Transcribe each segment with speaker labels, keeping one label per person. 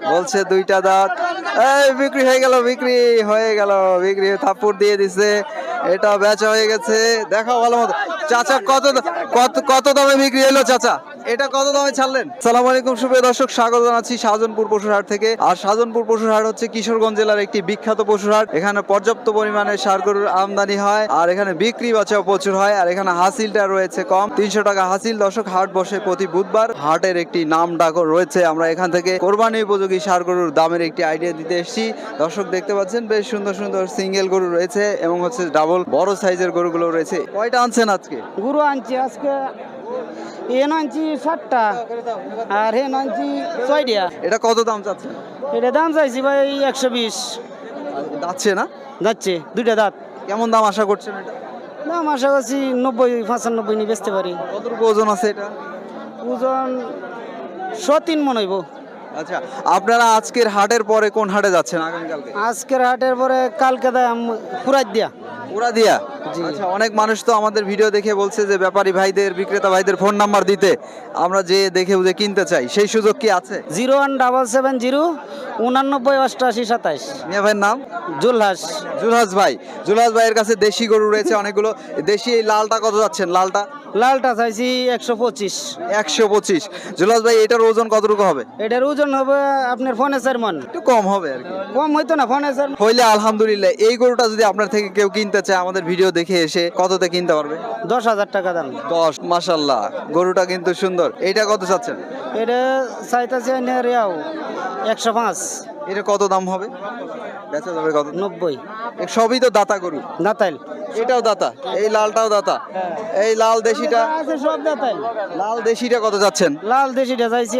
Speaker 1: বলছে দুইটা দাঁত। এই বিক্রি হয়ে গেল, বিক্রি হয়ে গেল, বিক্রি থাপ্পড় দিয়ে দিছে। এটা বেচা হয়ে গেছে। দেখাও ভালো মতো। চাচা কত দামে বিক্রি হলো চাচা? এটা কত দামে ছাড়লেন? আসসালামু আলাইকুম সুপ্রিয় দর্শক, স্বাগত জানাচ্ছি শাহজাহানপুর পশুর হাট থেকে। আর শাহজাহানপুর পশুর হাট হচ্ছে কিশোরগঞ্জ জেলার একটি বিখ্যাত পশুর হাট। এখানে পর্যাপ্ত পরিমাণে ষাঁড় গরুর আমদানি হয়, আর এখানে বিক্রি বাঁচাও প্রচুর হয়। আর এখানে হাসিলটা রয়েছে কম, 300 টাকা হাসিল। দর্শক, হাট বসে প্রতি বুধবার। হাটের একটি নাম ডাক রয়েছে। আমরা এখান থেকে কোরবানি উপযোগী ষাঁড় গরুর দামের একটি আইডিয়া দিতে এসেছি। দর্শক দেখতে পাচ্ছেন বেশ সুন্দর সুন্দর সিঙ্গেল গরু রয়েছে এবং হচ্ছে ডাবল বড় সাইজের গরুগুলো রয়েছে। কয়টা আনছেন আজকে?
Speaker 2: গরু আনছি আজকে, এন আনছি 7টা আর হেন আনছি 6টা।
Speaker 1: এটা কত দাম চাচ্ছেন?
Speaker 2: এটা দাম চাইছি ভাই 120।
Speaker 1: যাচ্ছে না?
Speaker 2: যাচ্ছে, দুইটা দাঁত।
Speaker 1: কেমন দাম আশা করছেন এটা?
Speaker 2: দাম আশা করছি 90-95 নিয়ে বেচতে পারি।
Speaker 1: কতটুকু ওজন আছে এটা?
Speaker 2: ওজন 103 মন হইব।
Speaker 1: আচ্ছা, আপনারা আজকের হাটের পরে কোন হাটে যাচ্ছেন আগামীকালকে?
Speaker 2: আজকের হাটের পরে কালকে দাম পুরাই দিয়া।
Speaker 1: পুরা দিয়া?
Speaker 2: জি।
Speaker 1: আচ্ছা, অনেক মানুষ তো আমাদের ভিডিও দেখে বলছে যে ব্যাপারী ভাইদের, বিক্রেতা ভাইদের ফোন নাম্বার দিতে, আমরা যে দেখে বুঝে কিনতে চাই, সেই সুযোগ কি আছে?
Speaker 2: 01770 89 88 27।
Speaker 1: মিয়া ভাইয়ের নাম?
Speaker 2: জুলহাস।
Speaker 1: জুলহাস ভাই। জুলহাস ভাইয়ের কাছে দেশি গরু রয়েছে অনেকগুলো। দেশি এই লালটা কত যাচ্ছেন? লালটা
Speaker 2: লালটা চাইছি 125।
Speaker 1: 125। জুলহাস ভাই, এটার ওজন কতটুকু হবে?
Speaker 2: এটার ওজন হবে আপনার ফোনে 4 মন।
Speaker 1: একটু কম হবে আর কি।
Speaker 2: কম হইতো না, ফোনে 4
Speaker 1: হইলে আলহামদুলিল্লাহ। এই গরুটা যদি আপনার থেকে কেউ কিনতে চায়, আমাদের ভিডিও দেখে এসে কততে কিনতে পারবে?
Speaker 2: 10,000 টাকা দাম।
Speaker 1: 10। মাশাআল্লাহ, গরুটা কিন্তু সুন্দর। এইটা কত চাচ্ছেন?
Speaker 2: এটা চাইতেছে 105।
Speaker 1: এটা কত দাম হবে? বেচা যাবে কত?
Speaker 2: 90।
Speaker 1: সবই তো দাতা গরু।
Speaker 2: দাতাইল।
Speaker 1: এটাও দাতা, এই লালটাও দাতা। এই লাল দেশিটা,
Speaker 2: আছে সব দাতাইল।
Speaker 1: লাল দেশিটা কত যাচ্ছেন?
Speaker 2: লাল দেশিটা চাইছি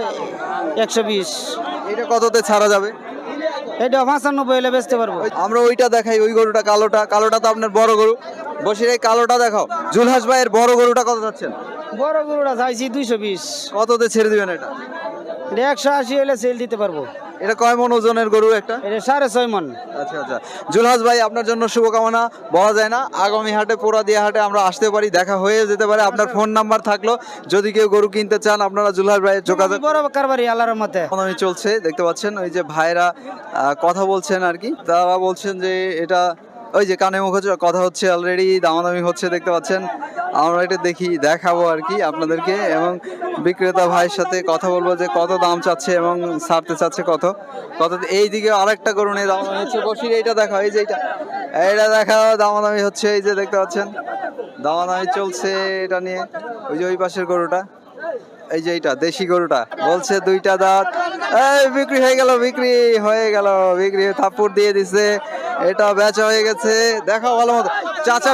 Speaker 2: 120।
Speaker 1: এটা কততে ছাড়া যাবে?
Speaker 2: এটা 95 হলে বেচতে পারবো।
Speaker 1: আমরা ওইটা দেখাই, ওই গরুটা কালোটা। কালোটা তো আপনার বড় গরু। বসির এই কালোটা দেখাও। জুলহাস ভাইয়ের বড় গরুটা কত যাচ্ছেন?
Speaker 2: বড় গরুটা চাইছি 220।
Speaker 1: কততে ছেড়ে দিবেন এটা?
Speaker 2: এটা 180 হলে সেল দিতে পারবো।
Speaker 1: এটা কয় মন ওজনের গরু একটা?
Speaker 2: এটা 6.5 মন।
Speaker 1: আচ্ছা আচ্ছা, জুলহাস ভাই আপনার জন্য শুভকামনা। বলা যায় না, আগামী হাটে, পোড়াদিয়া হাটে আমরা আসতে পারি, দেখা হয়ে যেতে পারে। আপনার ফোন নাম্বার থাকলো, যদি কেউ গরু কিনতে চান আপনারা জুলহাস ভাইয়ের যোগাযোগ।
Speaker 2: বড় কারবারি আল্লাহর রহমতে।
Speaker 1: দামাদামি চলছে, দেখতে পাচ্ছেন ওই যে ভাইরা কথা বলছেন আর কি। তারা বলছেন যে এটা, ওই যে কানে মুখে কথা হচ্ছে, অলরেডি দামাদামি হচ্ছে, দেখতে পাচ্ছেন। আমরা এটা দেখাবো আর কি আপনাদেরকে, এবং বিক্রেতা ভাইয়ের সাথে কথা বলবো যে কত দাম চাচ্ছে এবং ছাড়তে চাচ্ছে কত। এইদিকে আরেকটা গরু নিয়ে দামাদামি হচ্ছে। বসির এইটা দেখা, এই যে এইটা দেখা, দামাদামি হচ্ছে। এই যে দেখতে পাচ্ছেন দামাদামি চলছে এটা নিয়ে। ওই যে ওই পাশের গরুটা, এই যে এইটা দেশি গরুটা, বলছে দুইটা দাঁত। এই বিক্রি হয়ে গেল, বিক্রি হয়ে গেল, বিক্রি থাপ্পড় দিয়ে দিছে। এটা বেচা হয়ে গেছে। দেখাও ভালো মতো। চাচা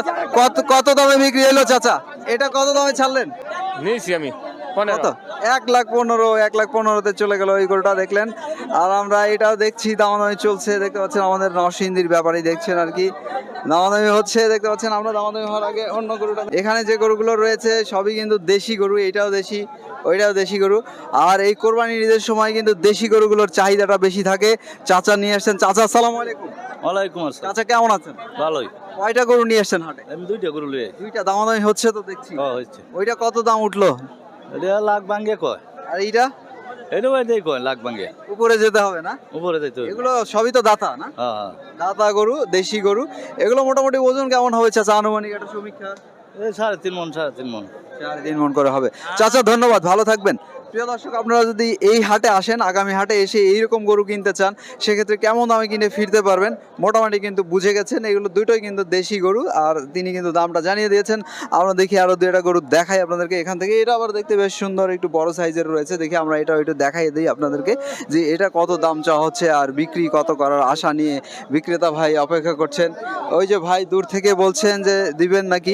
Speaker 1: কত দামে বিক্রি হলো চাচা? এটা কত দামে ছাড়লেন?
Speaker 3: নিয়েছি আমি
Speaker 1: কত? 1,15,000। 1,15,000-তে চলে গেল ওই গরুটা, দেখলেন। আর আমরা এটাও দেখছি, দামাদামি চলছে, দেখতে পাচ্ছেন। আমাদের নরসিংদীর ব্যাপারই দেখছেন আর কি, দামাদামি হচ্ছে, দেখতে পাচ্ছেন। আমরা দামাদামি হওয়ার আগে অন্য গরুটা, এখানে যে গরুগুলো রয়েছে সবই কিন্তু দেশি গরু। এটাও দেশি, ওইটাও দেশি গরু। আর এই কোরবানির ঈদের সময় কিন্তু দেশি গরুগুলোর চাহিদাটা বেশি থাকে। চাচা নিয়ে আসছেন। চাচা আসসালামু আলাইকুম।
Speaker 4: ওয়ালাইকুম আসসালাম।
Speaker 1: চাচা কেমন আছেন?
Speaker 4: ভালোই।
Speaker 1: কয়টা গরু নিয়ে আসছেন হাটে?
Speaker 4: আমি দুইটা গরু লিয়ে।
Speaker 1: দুইটা। দামাদামি হচ্ছে তো দেখছি।
Speaker 4: হচ্ছে।
Speaker 1: ওইটা কত দাম উঠলো?
Speaker 4: এটা লাখ ভাঙ্গে কয়।
Speaker 1: আর এইটা?
Speaker 4: এটা ওইটাই কয় লাখ ভাঙ্গে।
Speaker 1: উপরে যেতে হবে না?
Speaker 4: উপরে যাইতে হবে।
Speaker 1: এগুলো সবই তো দাতা না?
Speaker 4: হ্যাঁ।
Speaker 1: দাতা গরু, দেশি গরু। এগুলো মোটামুটি ওজন কেমন হবে চাচা, আনুমানিক একটা সমীক্ষা?
Speaker 4: এই 3.5 মন 3.5 মন।
Speaker 1: 3.5 মন করে হবে। চাচা ধন্যবাদ, ভালো থাকবেন। প্রিয় দর্শক, আপনারা যদি এই হাটে আসেন, আগামী হাটে এসে এইরকম গরু কিনতে চান, সেক্ষেত্রে কেমন দামে কিনে ফিরতে পারবেন মোটামুটি কিন্তু বুঝে গেছেন। এগুলো দুটোই কিন্তু দেশি গরু, আর তিনি কিন্তু দামটা জানিয়ে দিয়েছেন। আমরা দেখি আরো দুইটা গরু দেখাই আপনাদেরকে এখান থেকে। এটা আবার দেখতে বেশ সুন্দর, একটু বড় সাইজের রয়েছে। দেখি আমরা এটা একটু দেখাই দিই আপনাদেরকে যে এটা কত দাম চাওয়া হচ্ছে আর বিক্রি কত করার আশা নিয়ে বিক্রেতা ভাই অপেক্ষা করছেন। ওই যে ভাই দূর থেকে বলছেন যে দিবেন নাকি,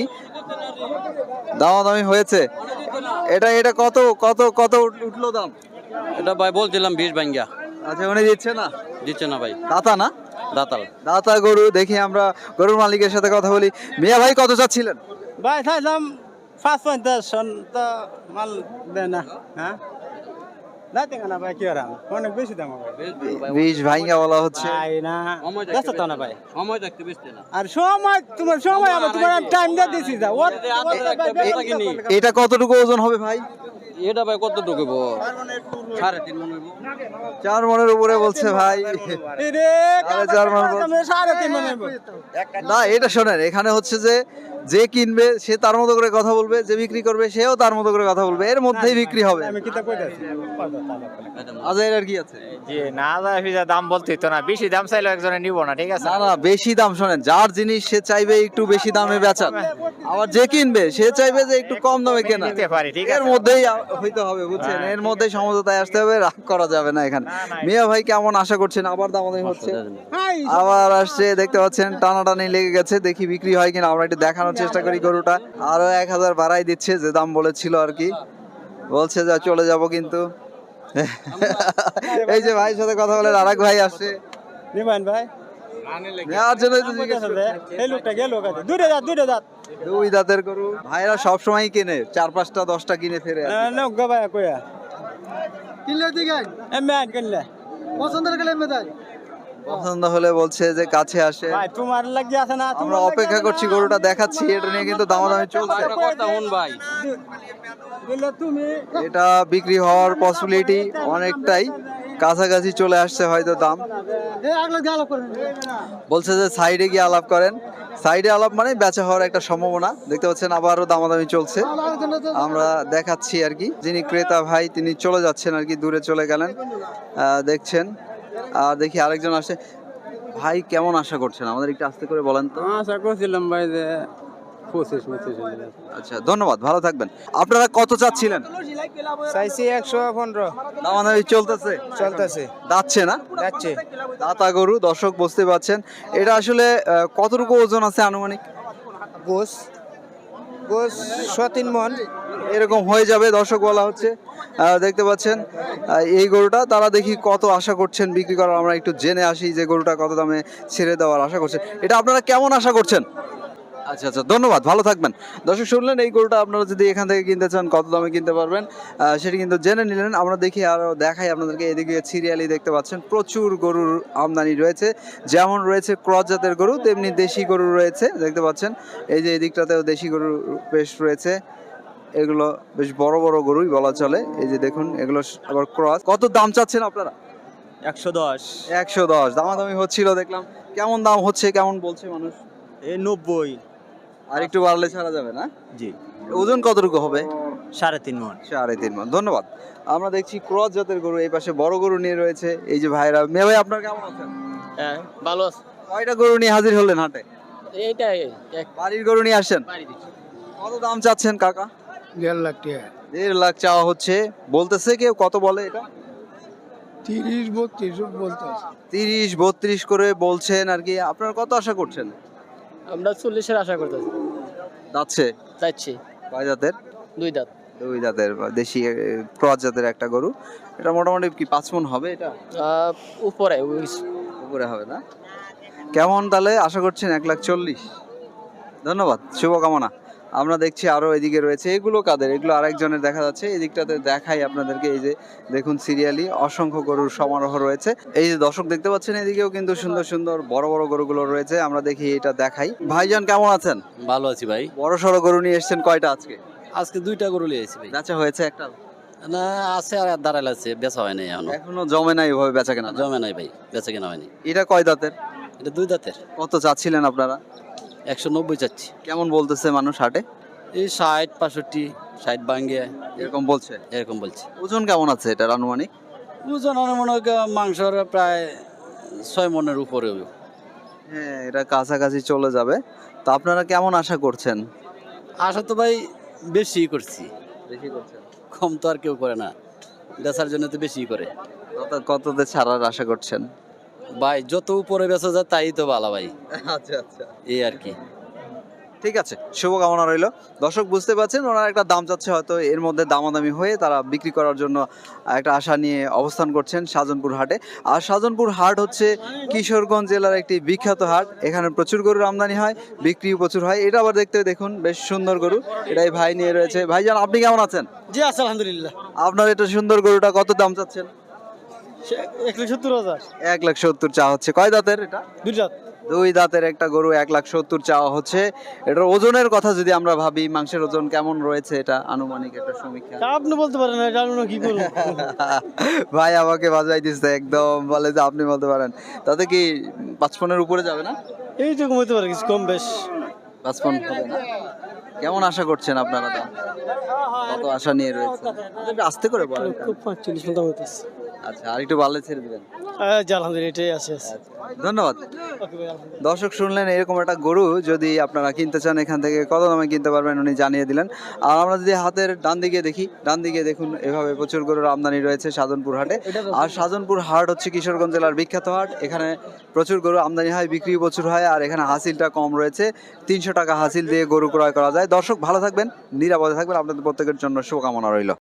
Speaker 1: দামাদামি হয়েছে। এটা কত কত কত উঠলো দাম?
Speaker 5: এটা ভাই বলছিলাম 20 ভাঙ্গা।
Speaker 1: আচ্ছা, উনি দিচ্ছে না?
Speaker 5: দিচ্ছে না ভাই।
Speaker 1: দাতা না?
Speaker 5: দাতাল।
Speaker 1: দাতা গরু। দেখি আমরা গরুর মালিকের সাথে কথা বলি। মিয়া ভাই কত চাচ্ছিলেন?
Speaker 2: ভাই চাইলাম 5.50 তো মাল দেয় না। হ্যাঁ যাইতে না ভাই কি আর অনেক বেশি দাম ভাই
Speaker 1: 20 ভাইঙ্গা বলা হচ্ছে।
Speaker 2: ভাই না ব্যস্ত তো না ভাই
Speaker 5: সময় থাকতে বেচতে না।
Speaker 2: আর সময় তোমার সময় আবার তোমার টাইম দিয়ে দিছি যা
Speaker 1: এটা কতটুকু ওজন হবে ভাই?
Speaker 5: এটা ভাই কত ঢুকব? 3.5 মন হইব।
Speaker 1: 4 মনের উপরে বলছে ভাই।
Speaker 2: রে
Speaker 1: 4.5 মন বলছে।
Speaker 2: 3.5 মন হইব
Speaker 1: না এটা শোনেন, এখানে হচ্ছে যে কিনবে সে তার মতো করে কথা বলবে, যে বিক্রি করবে সেও তার মতো করে কথা বলবে, এর মধ্যেই বিক্রি হবে।
Speaker 2: আমি কিতা কইতাছি
Speaker 1: আজাইর আর কি আছে?
Speaker 3: জি না যা দাম বলতেই তো না, বেশি দাম চাইলে একজনে নিব না, ঠিক আছে?
Speaker 1: না না, বেশি দাম শোনেন, যার জিনিস সে চাইবে একটু বেশি দামে বেচান, আবার যে কিনবে সে চাইবে যে একটু কম দামে কেনা।
Speaker 3: নিতে পারি, ঠিক
Speaker 1: এর
Speaker 3: আছে?
Speaker 1: মধ্যেই হইতে হবে, বুঝছেন? এর মধ্যেই সমঝোতায় আসতে হবে, রাগ করা যাবে না এখানে। মিয়া ভাই কেমন আশা করছেন? আবার দামাদামি হচ্ছে, আবার আসছে, দেখতে পাচ্ছেন টানাটানি লেগে গেছে। দেখি বিক্রি হয় কিনা, আমরা একটু দেখানোর চেষ্টা করি। গরুটা আরো 1000 বাড়াই দিচ্ছে, যে দাম বলেছিল আর কি, বলছে যা চলে যাব কিন্তু। এই যে ভাইয়ের সাথে কথা বলে আরেক ভাই আসছে,
Speaker 2: নিবেন ভাই
Speaker 1: নেওয়ার জন্য তো জিজ্ঞেস করছে।
Speaker 2: এই লোকটা গেল কাছে দুইটা দাঁত
Speaker 1: দুই দাঁতের গরু ভাইরা সব সময় কিনে, 4-5টা 10টা কিনে ফেরে আর কি।
Speaker 2: না গো ভাই কইয়া কিনলে দিগাই এমে আন কিনলে পছন্দের গেলে এমে দাই
Speaker 1: পছন্দ হলে বলছে যে কাছে আসে।
Speaker 2: ভাই তোমার লাগি আছে না,
Speaker 1: আমরা অপেক্ষা করছি, গরুটা দেখাচ্ছি, এটা নিয়ে কিন্তু দামাদামি চলছে।
Speaker 5: কথা শুন ভাই,
Speaker 2: দিলে তুমি
Speaker 1: এটা বিক্রি হওয়ার পসিবিলিটি অনেকটাই কাছাকাছি চলে আসছে হয়তো দাম।
Speaker 2: এই আগলা গাল করেন
Speaker 1: বলছে যে সাইডে গিয়ে আলাপ করেন, সাইডে আলাপ মানে বেচা হওয়ার একটা সম্ভাবনা। দেখতে পাচ্ছেন আবারও দামাদামি চলছে, আমরা দেখাচ্ছি আর কি। যিনি ক্রেতা ভাই তিনি চলে যাচ্ছেন আর কি, দূরে চলে গেলেন, দেখছেন। আর দেখি আরেকজন আসে। ভাই কেমন আশা করছেন? আমাদের একটু আস্তে করে বলেন তো।
Speaker 2: আশা করছিলাম ভাই যে 25
Speaker 1: আচ্ছা ধন্যবাদ, ভালো থাকবেন। আপনারা কত চাচ্ছিলেন?
Speaker 2: চাইছি 115
Speaker 1: দামাদামি চলতেছে,
Speaker 2: চলতেছে
Speaker 1: যাচ্ছে না?
Speaker 2: যাচ্ছে
Speaker 1: দাতা গরু, দর্শক বুঝতে পারছেন। এটা আসলে কতটুকু ওজন আছে আনুমানিক?
Speaker 2: গোস 3 মন
Speaker 1: এরকম হয়ে যাবে দর্শক বলা হচ্ছে। দেখতে পাচ্ছেন এই গরুটা তারা দেখি কত আশা করছেন বিক্রি করার, আমরা একটু জেনে আসি যে গরুটা কত দামে ছেড়ে দেওয়ার আশা করছেন। এটা আপনারা কেমন আশা করছেন? আচ্ছা আচ্ছা ধন্যবাদ, ভালো থাকবেন। দর্শক শুনলেন, এই গরুটা আপনারা যদি এখান থেকে কিনতে চান কত দামে কিনতে পারবেন সেটি কিন্তু জেনে নিলেন। আমরা দেখি আরও দেখাই আপনাদেরকে। এদিকে সিরিয়ালি দেখতে পাচ্ছেন প্রচুর গরুর আমদানি রয়েছে, যেমন রয়েছে ক্রস জাতের গরু তেমনি দেশি গরু রয়েছে। দেখতে পাচ্ছেন এই যে এদিকটাতেও দেশি গরু বেশ রয়েছে, এগুলো বেশ বড় বড় গরুই বলা চলে। এই যে দেখুন এগুলো আবার ক্রস। কত দাম চাচ্ছেন আপনারা?
Speaker 3: 110
Speaker 1: 110 দামাদামি হচ্ছিল দেখলাম। কেমন দাম হচ্ছে, কেমন বলছে মানুষ?
Speaker 3: এই 90
Speaker 1: আর একটু বাড়লে ছাড়া যাবে না?
Speaker 3: জি
Speaker 1: ওজন কতটুকু হবে?
Speaker 3: 3.5 মন
Speaker 1: 3.5 মণ। ধন্যবাদ। আমরা দেখছি ক্রস জাতের গরু, এই পাশে বড় গরু নিয়ে রয়েছে এই যে ভাইরা। মেয়ে ভাই আপনার কেমন আছেন?
Speaker 5: হ্যাঁ ভালো আছে।
Speaker 1: কয়টা গরু নিয়ে হাজির হলেন হাটে?
Speaker 5: এইটাই এক
Speaker 1: বাড়ির গরু নিয়ে আসছেন।
Speaker 5: বাড়ি দিচ্ছি।
Speaker 1: কত দাম চাচ্ছেন কাকা?
Speaker 2: 1.5 লাখ টাকা
Speaker 1: 1.5 লাখ চাওয়া হচ্ছে। বলতেছে কেউ কত বলে এটা?
Speaker 2: 30-32 বলতেছে
Speaker 1: 30-32 করে বলছেন আর কি। আপনারা কত আশা করছেন?
Speaker 5: আমরা 40-এর আশা করতেছি,
Speaker 1: যাচ্ছে।
Speaker 5: চাইছি
Speaker 1: কয় জাতের?
Speaker 5: 2 দাঁত।
Speaker 1: দুই জাতের বা দেশি ক্রস জাতের একটা গরু। এটা মোটামুটি কি 5 মণ হবে? এটা
Speaker 5: উপরে
Speaker 1: উপরে হবে না? কেমন তাহলে আশা করছেন? 1,40,000। ধন্যবাদ, শুভকামনা। আমরা দেখছি আরো এদিকে রয়েছে। এগুলো কাদের? এগুলো আরেকজনের দেখা যাচ্ছে। এই দিকটাতে দেখাই আপনাদেরকে। এই যে দেখুন সিরিয়ালি অসংখ্য গরুর সমারোহ রয়েছে। এই যে দর্শক দেখতে পাচ্ছেন, এদিকেও কিন্তু সুন্দর সুন্দর বড় বড় গরুগুলো রয়েছে। আমরা দেখি এটা দেখাই। ভাইজান কেমন আছেন?
Speaker 5: ভালো আছি ভাই।
Speaker 1: বড় সড়ো গরু নিয়ে এসেছেন কয়টা আজকে?
Speaker 5: আজকে 2টা গরু লিয়েছি ভাই।
Speaker 1: বেচা হয়েছে একটা?
Speaker 5: না আছে, আর দাঁড়াল আছে, বেচা হয় নাই এখনো।
Speaker 1: এখনো জমে নাই ওভাবে বেচা কেনা?
Speaker 5: জমে নাই ভাই, বেচা কেনা হয়নি।
Speaker 1: এটা কয় দাঁতের?
Speaker 5: এটা 2 দাঁতের।
Speaker 1: কত চাচ্ছিলেন আপনারা?
Speaker 5: 190 চাচ্ছি।
Speaker 1: কেমন বলতেছে মানুষ হাটে?
Speaker 5: এই 60-65, 60 ভাঙ্গে
Speaker 1: এরকম বলছে?
Speaker 5: এরকম বলছে।
Speaker 1: ওজন কেমন আছে এটার আনুমানিক?
Speaker 5: ওজন মনে হয় মাংসর প্রায় 6 মণের উপরে হবে।
Speaker 1: হ্যাঁ, এটা কাছাকাছি চলে যাবে। তো আপনারা কেমন আশা করছেন?
Speaker 5: আশা তো ভাই বেশি করছি,
Speaker 1: বেশি করছেন?
Speaker 5: কম তো আর কেউ করে না, বেচার জন্য তো বেশি করে।
Speaker 1: কততে ছাড়ার আশা করছেন?
Speaker 5: ভাই যত উপরে বেচা যায় তাই তো ভালো ভাই,
Speaker 1: আচ্ছা আচ্ছা,
Speaker 5: এই আর কি।
Speaker 1: ঠিক আছে, শুভকামনা রইল। দর্শক বুঝতে পারছেন ওনারা একটা দাম চাচ্ছে, হয়তো এর মধ্যে দামাদামি হয়ে তারা বিক্রি করার জন্য একটা আশা নিয়ে অবস্থান করছেন শাহজাহানপুর হাটে। আর শাহজাহানপুর হাট হচ্ছে কিশোরগঞ্জ জেলার একটি বিখ্যাত হাট। এখানে প্রচুর গরুর আমদানি হয়, বিক্রিও প্রচুর হয়। এটা আবার দেখতে দেখুন বেশ সুন্দর গরু, এটাই ভাই নিয়ে রয়েছে। ভাইজান আপনি কেমন আছেন?
Speaker 2: জি আছে আলহামদুলিল্লাহ।
Speaker 1: আপনার এটা সুন্দর গরুটা কত দাম চাচ্ছেন?
Speaker 2: 1,70,000
Speaker 1: 1,70,000 চা হচ্ছে। কয় দাঁতের এটা?
Speaker 2: দুইটা।
Speaker 1: 2 দাঁতের একটা গরু 1,70,000 চাওয়া হচ্ছে। এটার ওজনের কথা যদি আমরা ভাবি, মাংসের ওজন কেমন রয়েছে এটা আনুমানিক একটা সমীক্ষা?
Speaker 2: আপনি বলতে পারেন না, জানো না কি করব।
Speaker 1: ভাই আমাকে বাজাই দিচ্ছে একদম, বলে যে আপনি বলতে পারেন। তাতে কি 55 উপরে যাবে না?
Speaker 2: এই তো কমাইতে পারে কিছু কম বেশ।
Speaker 1: 55 হবে না? কেমন আশা করছেন আপনারা দাম? কত আশা নিয়ে রয়েছে? একটু আস্তে করে বলেন।
Speaker 2: 45 মোটামুটি আছে।
Speaker 1: আচ্ছা, আর একটু বাড়লে ছেড়ে দিবেন।
Speaker 2: জি আলহামদুলিল্লাহ এটাই আছে।
Speaker 1: ধন্যবাদ।
Speaker 2: ওকে ভাই আলহামদুলিল্লাহ।
Speaker 1: দর্শক শুনলেন, এরকম একটা গরু যদি আপনারা কিনতে চান এখান থেকে কত দামে কিনতে পারবেন উনি জানিয়ে দিলেন। আর আমরা যদি হাতের ডান দিকে দেখি, ডান দিকে দেখুন এভাবে প্রচুর গরুর আমদানি রয়েছে শাহজাহানপুর হাটে। আর শাহজাহানপুর হাট হচ্ছে কিশোরগঞ্জ জেলার বিখ্যাত হাট। এখানে প্রচুর গরু আমদানি হয়, বিক্রিও প্রচুর হয়। আর এখানে হাসিলটা কম রয়েছে, 300 টাকা হাসিল দিয়ে গরু ক্রয় করা যায়। দর্শক ভালো থাকবেন, নিরাপদে থাকবেন, আপনাদের প্রত্যেকের জন্য শুভকামনা রইল।